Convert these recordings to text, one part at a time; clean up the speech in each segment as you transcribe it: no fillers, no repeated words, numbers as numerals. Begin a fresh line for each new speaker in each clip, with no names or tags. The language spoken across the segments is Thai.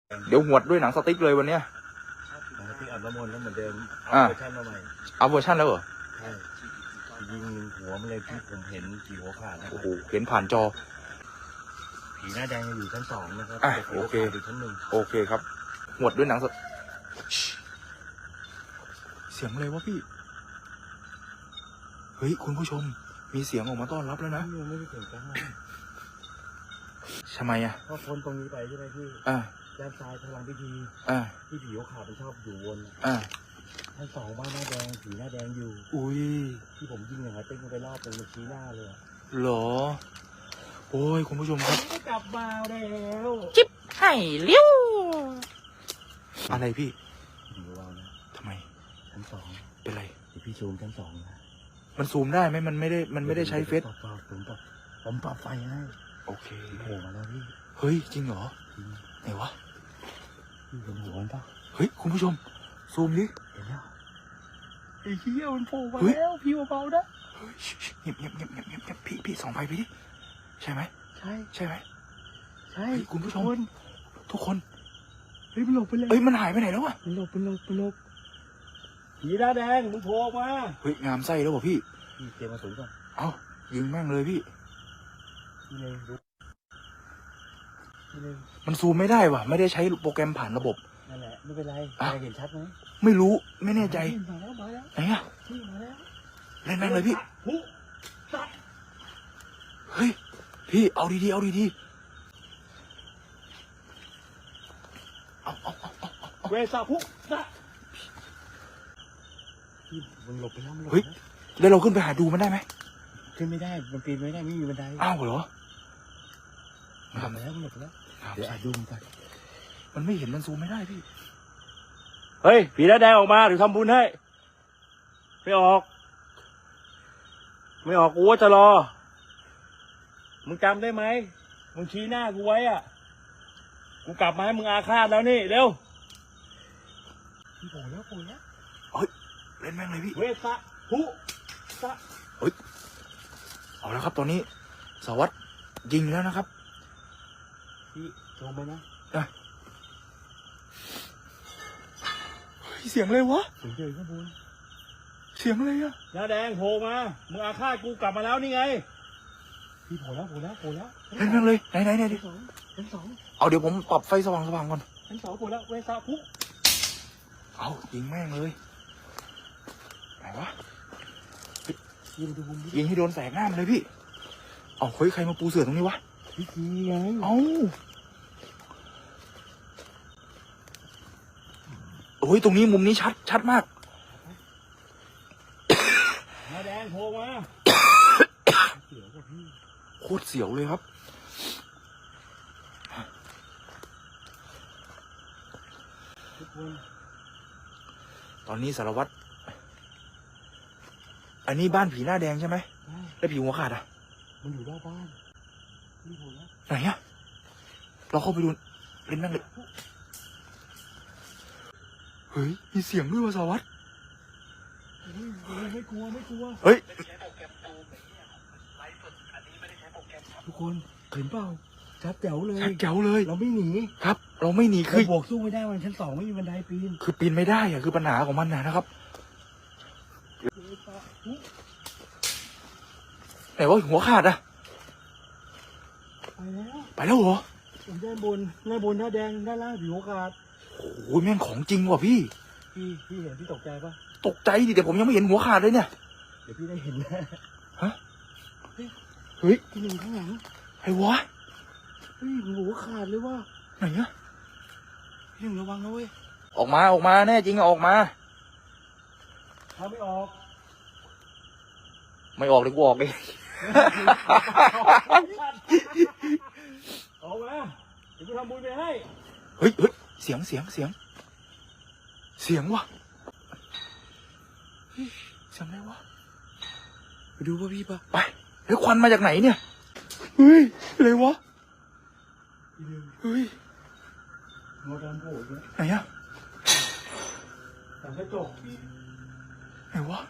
เดี๋ยวหวดด้วยหนังสติ๊กเลยวันเนี้ย
ที่อาบน้ำมนต์แล้วเหมือนเดิมเวอร์ชันมาใหม่
เอาเวอร์ชันแล้วเหรอ
ใช่ยิงหัวมันเลยที่ผมเห็นผีหัวขาดนะ
โอ้โหเห็นผ่านจอ
ผีหน้าแดงอยู่ชั้น2นะครับ
โอเค
อยู่ชั้น1
โอเคครับหวดด้วยหนังสเสียงอะไรวะพี่เฮ้ยคุณผู้ชมมีเสียงออกมาต้อนรับแล้วนะ
ไม่ได้เสียงกัน
ทำไมอ่ะ
เพราะคนตรงนี้ไปใช่ไหมพี่ด้านซ้ายพลังพิธีที่ผีหัวขาดมันชอบอยู่วนชั้น2บ้านหน้าแดงผีหน้าแดงอยู่
อุ้ย
ที่ผมยิงอย่างไรเต้นไปรอบเป็นชี้หน้าเลย
หรอโอ้ยคุณผู้ชมครับ
กลับมาแล้ว
จิ๊บไห่เลี้ยวอะไรพี่
อยู่เรานะ
ทำไม
ชั้น2
เป็นไร
พี่ซูมชั้น2นะ
มันซูมได้ไหมมันไม่ได้ใช้เฟซ
ผมปรับไฟให้
โอเค
โผล่มาแล้วพี่
เฮ้ยจริงเหรอไหนวะ
พี่เป็นหัวมันปะ
เฮ้ยคุณผู้ชมซูมดิ
เห็นแล้ว
ไอ้เหี้ยมันโผล่มาแล้วพี่เบาๆนะเฮ้ยเงียบพี่ส่องไฟไปดิใช่ไหมใช่ไหม
ใช่
คุณผู้ชมทุกคน
เฮ้ยมันหลบไปเลย
เฮ้ยมันหายไปไหนแล้วอะ
มันหลบผีหน้าแดงมึงโผล่มา
เฮ้ยงามไส้แล้วป่ะพี่
เตรียมมาสูงก่อน
เอ้ายิงแม่งเลยพี่มันซูมไม่ได้ว่ะไม่ได้ใช้โปรแกรมผ่านระบบ
นั่นแหละไม่เป็นไรเห็นชัดไหม
ไม่รู้ไม่แน่ใจ
มาแล้ว
ไหนอะ
มาแล้ว
เล่นแม่งเลยพี่เฮ้ยพี่เอาดีเอา
เวสาพุนะพี่มึงหลบไปแล้ว
เฮ้ยแล้วเราขึ้นไปหาดูมันได้ไหม
ขึ้นไม่ได้มันปีนไม่ได้ไม่มีบันได
อ้าวเหรอ
ทำมาแล้วมันหลบแล้วเดี๋ยวดูมัน
มันไม่เห็นมันซูมไม่ได้พี่
เฮ้ยผีหน้าแดงออกมาหรือทำบุญให้ไม่ออกกูว่าจะรอมึงจำได้ไหมมึงชี้หน้ากูไว้อ่ะกูกลับมาให้มึงอาฆาตแล้วนี่เร็วโผล่แล้ว
เฮ้ยเล่นแม่งเลยพี่
เวสะพุสะ
เฮ้ยเอาแล้วครับตอนนี้สวัสดิ์ยิงแล้วนะครับ
พี่ลงไปนะ
เสียงอะไรวะ
เสียงเดินข้างบน
เสียงอะไรอะ
หน้าแดงโผล่มามึงอาฆาตกูกลับมาแล้วนี่ไงพี่โผล่แล้ว
เล่นแม่งเลยไหนดิ
ชั้นสอง
เอาเดี๋ยวผมปรับไฟสว่างก่อน
ชั้น2โผล่แล้วเวสาพุ
เอายิงแม่งเลยไหนวะยิงให้โดนแสงหน้ามันเลยพี่เอาเฮ้ยใครมาปูเสื่อตรงนี้วะ
พี่ไง
เอาโอ้ยตรงนี้มุมนี้ชัดมาก
หน้าแดงโผล่มาเสียวกว่าพี่
โคตรเสียวเลยครับตอนนี้สารวัตรอันนี้บ้านผีหน้าแดงใช่ไหมแล้วผีหัวขาดอ่ะ
มันอยู่หน้าบ้านนี่โผล่แล้ว
ไหนอ่ะเราเข้าไปดูเล่นนั่งเลยเฮ้ยมีเสียงด้วยว่ะสารวัตร
ไม่กลัว
เฮ้ย
ทุกคนเห็นเปล่าชัดแจ๋วเลยเราไม่หนี
ครับเราไม่หนี
คือบวกสู้ไม่ได้วันชั้น2ไม่มีบันไดปีน
คือปีนไม่ได้อะคือปัญหาของมันนะครับไหนว่าหัวขาดอะไปแล้วเหรอ
ด้านบนหน้าแดงด้านล่างผีหัวขาด
โอ้ยแม่งของจริงว่ะพี่
เห็นพี่ตกใจปะ
ตกใจดิแต่ผมยังไม่เห็นหัวขาดเลยเนี่ย
เดี๋ยวพี่ได้เห็นนะ
ฮะเฮ้ย
ที่หนึ่งข้างหลัง
ไอ้วะ
เฮ้ยหัวขาดเลยว่ะ
ไหนอะ
พี่หนึ่งระวังนะเว้ย
ออกมาแน่จริงออกมา
ถ้าไม่ออก
เลยกูออกเอง
ออกมาเดี๋ยวกูทำบุญไปให้
เฮ้ยเสียงว่ะเสียงอะไรวะ
ไปดูป่ะพี่ป่ะ
ไปเฮ้ยควันมาจากไหนเนี่ยเฮ้ยอะไรวะเฮ้ย
งอดำโผล่เนี่ย
ไหนอะ
แต่กระจก
ไหนวะ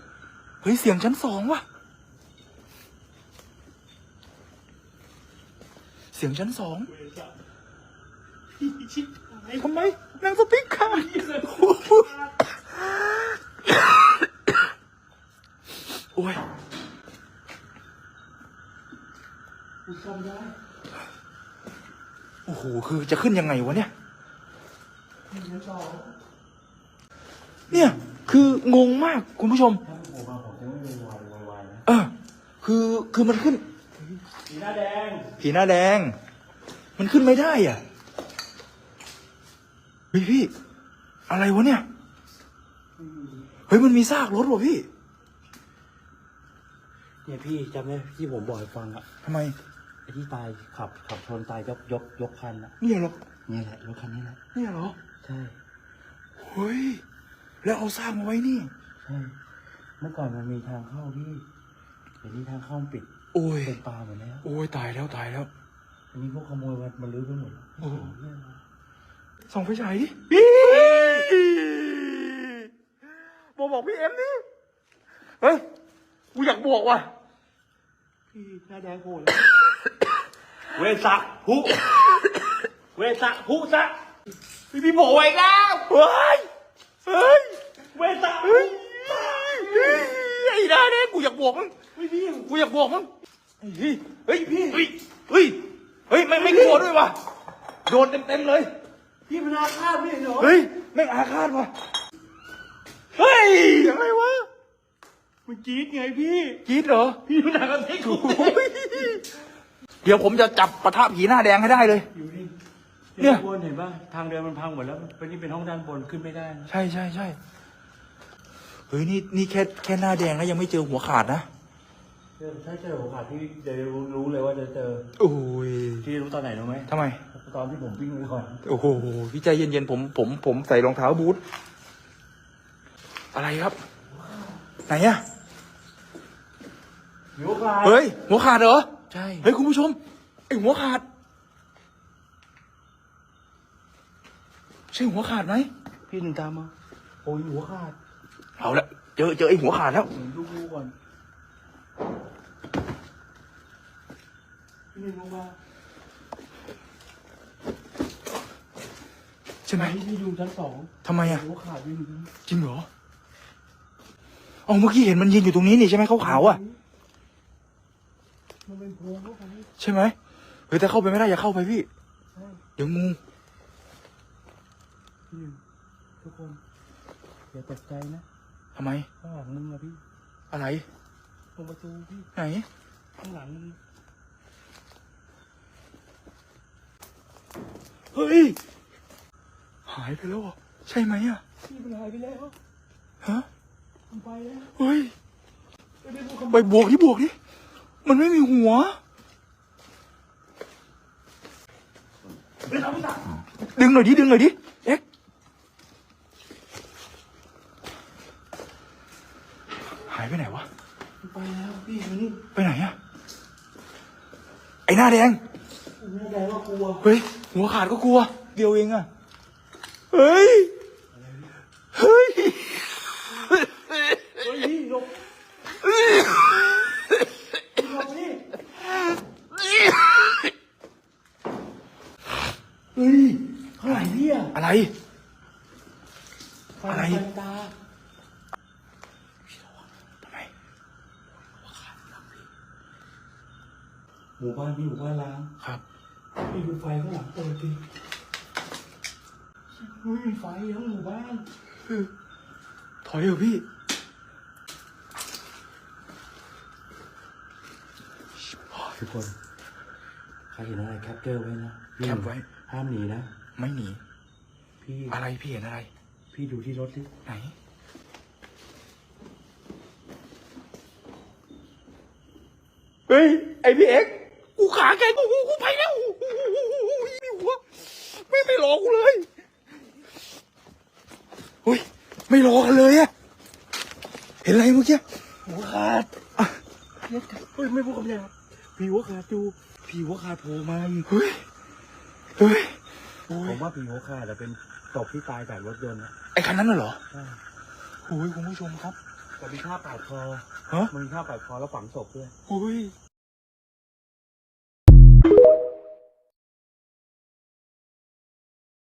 เฮ้ยเสียงชั้น2ว่ะเสียงชั้นสอง
เวรสัตว์พี่ชิบหาย
ทำไมนางสติ๊กค่ะโอ้ย
กูจำได้
โอ้โหคือจะขึ้นยังไงวะเนี่ย
ชั้นสอง
เนี่ยคืองงมากคุณผู้ชม
ถ้าผมมาผมจะไม่มีวายนะ
คือมันขึ้น
สีหน้าแดง
ผีหน้าแดง มันขึ้นไม่ได้อ่ะเฮ้ยพี่ อะไรวะเนี่ย เฮ้ยมันมีซากรถว่ะพี่
เนี่ยพี่จำได้ที่ผมบอกให้ฟังอะ
ทำไม
ไอ้ที่ตายขับชนตายยกคันอะ
เนี่ยเหรอ
เนี่ยแหละรถคันนี้แหละ
เนี่ยเหรอ
ใช่
เฮ้ยแล้วเอาซากมาไว้นี่
ใช่เมื่อก่อนมันมีทางเข้าพี่เดี๋ยวนี้ทางเข้ามันปิด
โอ้ย
เป็นป่าหมดแล้ว
โอ้ยตายแล้วตายแล้ว
อันนี้พวกขโมยมันลื้อไปหมดแล้ว
โอ้
เรื่องอะไร
ส่องไฟฉายดิบอกพี่เอ็มดิเฮ้ยกูอยากบอกว่ะ
พี่หน้าแดงโผล่แล้วเวสะหุเวสะหุสะ
พี่โผล่อีกแล้วเฮ้ยเฮ้ย
เวสะ
เฮ้ยไอ้ได้เนี่ยกูอยากบอกมึง
พี่
กูอยากบอกมึงเฮ้ยเฮ้ยพี่เฮ้ยเฮ้ยเฮ้ยไม่กลัวด้วยว่ะโดนเต็มเลย
พี่มันอาฆาตไม่เห็นเหรอ
เฮ้ยแม่งอาฆาตว่ะเฮ้ยยังไงวะ
มันจี๊ดไงพี่
กรีดเหรอ
พี่มันหนักกระเทกกู
เดี๋ยวผมจะจับปะทะผีหน้าแดงให้ได้เลย
อยู่นี่
เนี่ย
ด้านบนเห็นป่ะทางเดินมันพังหมดแล้วเป็นนี่เป็นห้องด้านบนขึ้นไม่ได้นะ
ใช่เฮ้ยนี่แค่หน้าแดงแล้วยังไม่เจอหัวขาดนะ
ถ้าเจอโอกาสที่จะรู้เลยว่าจะเจอ
โอ้ย
ที่รู้ตอนไหนรู้ไหม
ทำไม
ตอนที่ผมวิ่งไปก่อน
โอ้โหพี่ใจเย็นๆผมใส่รองเท้าบูทอะไรครับ ไหนอะ
มีโอกาส
เฮ้ยหัวขาดเหรอ
ใช่
เฮ้ยคุณผู้ชมไอหัวขาดใช่หัวขาดไหม
พี่หนึ่งตามมาโอ้ยหัวขาด
เอาละเจอไอหัวขาดแล้ว
เห็นลูกก่อนพี่หนึ่งลงมา
ใช่ไหม
พี่อยู่ชั้นสอง
ทำไมอะ
หัวขาดพี่หนึ่ง
จริงเหรอเอาเมื่อกี้เห็นมันยืนอยู่ตรงนี้นี่ใช่ไหมขาวๆอะ
มันเป็นโพรงเข้าไป
ใช่ไหมเฮ้ยแต่เข้าไปไม่ได้อย่าเข้าไปพี่
ใช่
เดี๋ยวงู
พี่หนึ่งทุกคนอย่าตกใจนะ
ทำไม
ข้างหลังมึงอะพี่
อะไร
ตรงประตูพี่
ไหน
ข้างหลังมึง
เฮ้ยหายไปแล้วเหรอใช่ไหมอะ
พี่มันหายไปแล้ว
ฮะ
มันไปแล้ว
เฮ้ย
ไม่ได้พูดคำ
ไปบวกดิมันไม่มีหัว
ไม่ทำไม่ได้
ดึงหน่อยดิเอ็กหายไปไหนวะ
มันไปแล้วพี่มัน
ไปไหนอะไอหน้าแดง
หน้าแดงก็กลัว
เฮ้ยหัวขาดก็กลัวเดียวเองอะเฮ้ยเฮ้ย
เฮ้ยพี่หลบหลบนี่
เฮ้ย
ข้างหลังพี่อะ
อะไร อะไร
ไฟตา
ทำไม
หมู่บ้านพี่หมู่บ้านล้าง
ครับ
พี่ดูไฟข้างหลังเปิดดิไม่มีไฟทั้งหมู่บ้าน
ถอยเถอะพี่
ทุกคนใครเห็นอะไรแคปเจอร์ไว้นะพี่
แคปไว้
ห้ามหนีนะ
ไม่หนี
พี่
อะไรพี่เห็นอะไร
พี่ดูที่รถดิ
ไหน เฮ้ย ไอพี่เอ็กซ์กูขาแกกูไปแล้วมีหัวไม่รอกูเลยเฮ้ยไม่รอกันเลยอะเห็นอะไรเมื่อกี้
หัวขาด
อ่ะ
เฮ้ยไม่พูดคำหยาบพี่หัวขาดดูพี่หัวขาดโผล่มาอีก
เฮ้ยโอ้
ผ
ย
มว่าพี่หัวขาดแต่เป็นศพที่ตายจากรถยนต์นะ
ไอคันนั้นน่ะเหรอ
ใช่
โอ้ยคุณผู้ชมครับ
แต่มีท่าปาดคอ
ฮะ
มันมีท่าปาดคอแล้วฝังศพด้วย
โอ้ย